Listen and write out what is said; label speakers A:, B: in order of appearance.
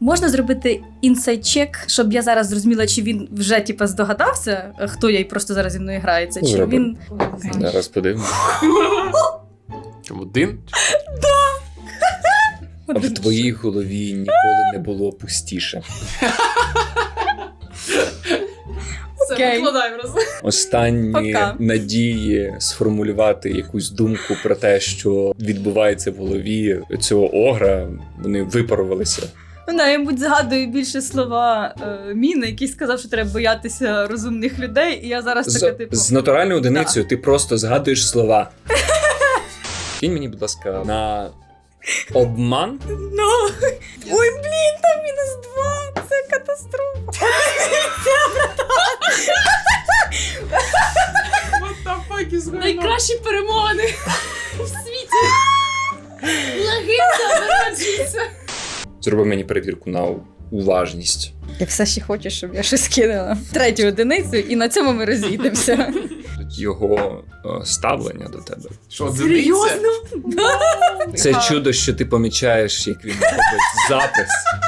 A: Можна зробити інсайд-чек, щоб я зараз зрозуміла, чи він вже типу, здогадався, хто я і просто зараз зі мною грається, чи
B: Зробимо.
A: він...
B: Зараз подивимось.
C: Один?
B: А в твоїй голові ніколи не було пустіше.
A: Окей.
B: Останні
A: Пока.
B: надії сформулювати якусь думку про те, що відбувається в голові цього огра, вони випарувалися.
A: Вона, я, мабуть, згадую більше слова Міни, який сказав, що треба боятися розумних людей, і я зараз така, типу...
B: З натуральною одиницею ти просто згадуєш слова. Кинь мені, будь ласка, на обман.
A: Ну, ой, блін, там -2, це катастрофа.
D: Найкращі перемоги в світі. Легенда народжується.
B: Зроби мені перевірку на уважність.
A: Я все ще хочу, щоб я щось кинула. 3 одиницю, і на цьому ми розійдемося.
B: Його ставлення до тебе.
C: Що, одиниця?
A: Серйозно?
B: Це чудо, що ти помічаєш, як він робить запис.